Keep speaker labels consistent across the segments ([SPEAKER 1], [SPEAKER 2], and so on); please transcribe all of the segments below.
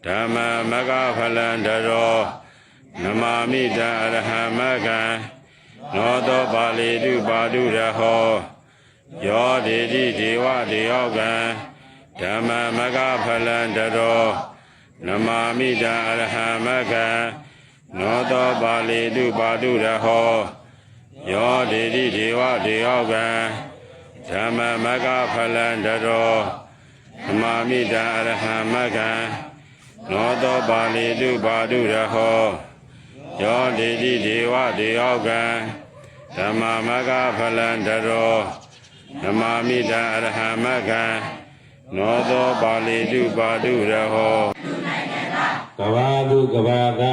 [SPEAKER 1] ဓမ္မမဂ္ဂဖလံတရောနမာမိတံအရဟံမဂ္ဂံနောသောပါဠိတုပါတုရဟောယောဒေတိဒေဝဒေယောကံဓမ္မမဂ္ဂဖလံတရောနမာမိတံအရဟံမဂ္ဂံနောသောပါဠိတုပါတုရဟောယောဒေတိဒေဝဒေယောကံဓမ္မမဂ္ဂဖလံတရောနမာမိတံအရဟံမဂ္ဂံနောသောပါဠိတုပါတုရဟောယောဒေတိဒေဝဒေယောကံဓမ္မမဂ္ဂဖလံတရောနမာမိတံအရဟံမဂ္ဂံနောသောပါဠိတုပါတုရဟောကဘာတုကဘာက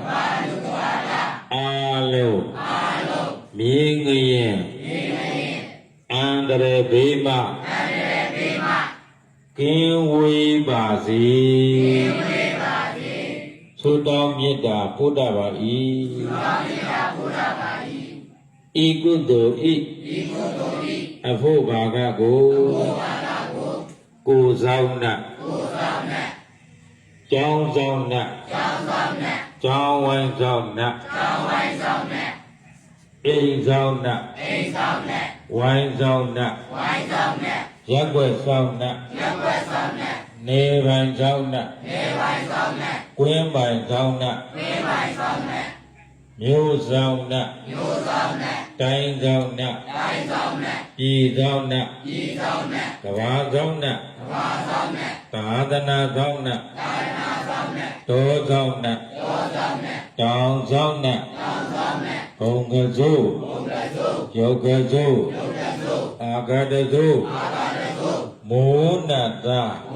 [SPEAKER 1] အာလုံးမြင်းငရင်အန္တရာယ်ဘေးမှကင်းဝေးပါစေသုတောင်းမေတ္တာပို့တပါ၏ဤကုသိုလ်ဤအဖို့ဘာကကိုဆောင်နကျောင်းဆောင်နကျောင်းဝိုင်းဆောင်နအိမ်ဆောင်နဝိုင်းဆောင်နရက်ွက်ဆောင်နနေပိုင်ဆောင်နကွင်းပိုင်ဆောင်နမျိုးဆောင်နတိုင်းဆောင်နပြည်ဆောင်နကဘာဆောင်နသာသနာဆောင်နတောဆောင်နတောင်ဆောင်နဘုံကစိုးယောကစိုးအာဂတစိုးမိုးနတ္တ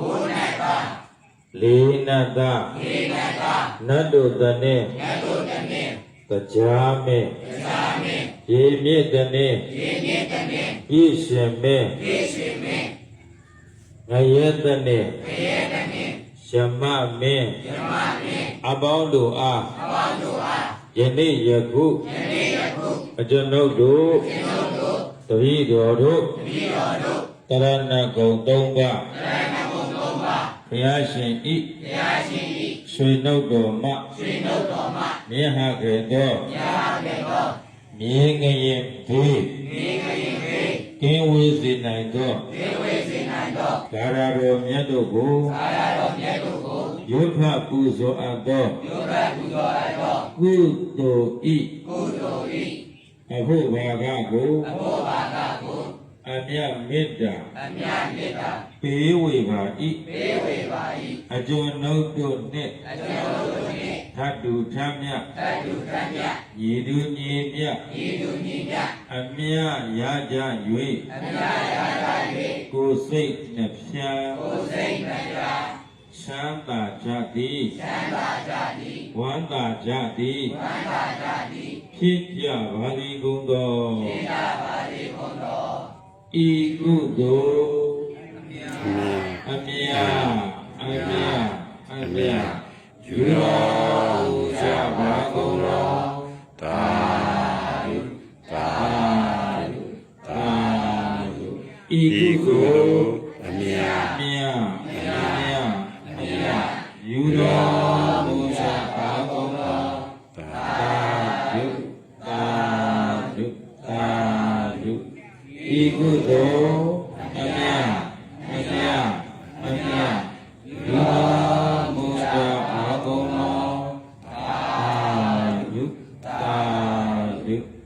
[SPEAKER 1] လေးနတ္တနတ်တို့တည်းတရားမေရေမြင့်တည်းပြည့်ရှင်မေငရဲတည်းရှမမင်းအပေါင်းတို့အားယနေ့ယခုအကျွန်ုပ်တို့တပည့်တော်တို့တရဏဂုံ၃ပါးဘုရားရှင်ဤရွှေနှုတ်တော်မှမြင်ဟခဲ့သောမြင်ငရင်ဘေးကင်းဝေးစေနိုင်သောဒါရတော်မြတ်တို့ကိုယုထပူဇော်အပ်သောကုသိုလ်ဤအဖို့ဘာကကိုအမြတ်မေတ္တာပေးဝေပါ၏အကျွန်ုပ်တို့နှင့်ထပ်တူထမ်းမြတ်ညီတူညီမြတ်အမြတ်ရကြ၍ကိုယ်စိတ်နှဖျားချမ်းသာကြသည်ဝမ်းသာကြသည်ဖြစ်ကြပါသည်ကုန်သောဤကုသိုလ်အမြတ်ယူတော်မူကြပါကုန်သောသာဓုဤကုသိုလ်အမြတ်ယူတော်မူကြပါကုန်သောသာဓုဤကုသိုလ်အမြတ်ယူတော်မူကြပါကုန်သောသာဓု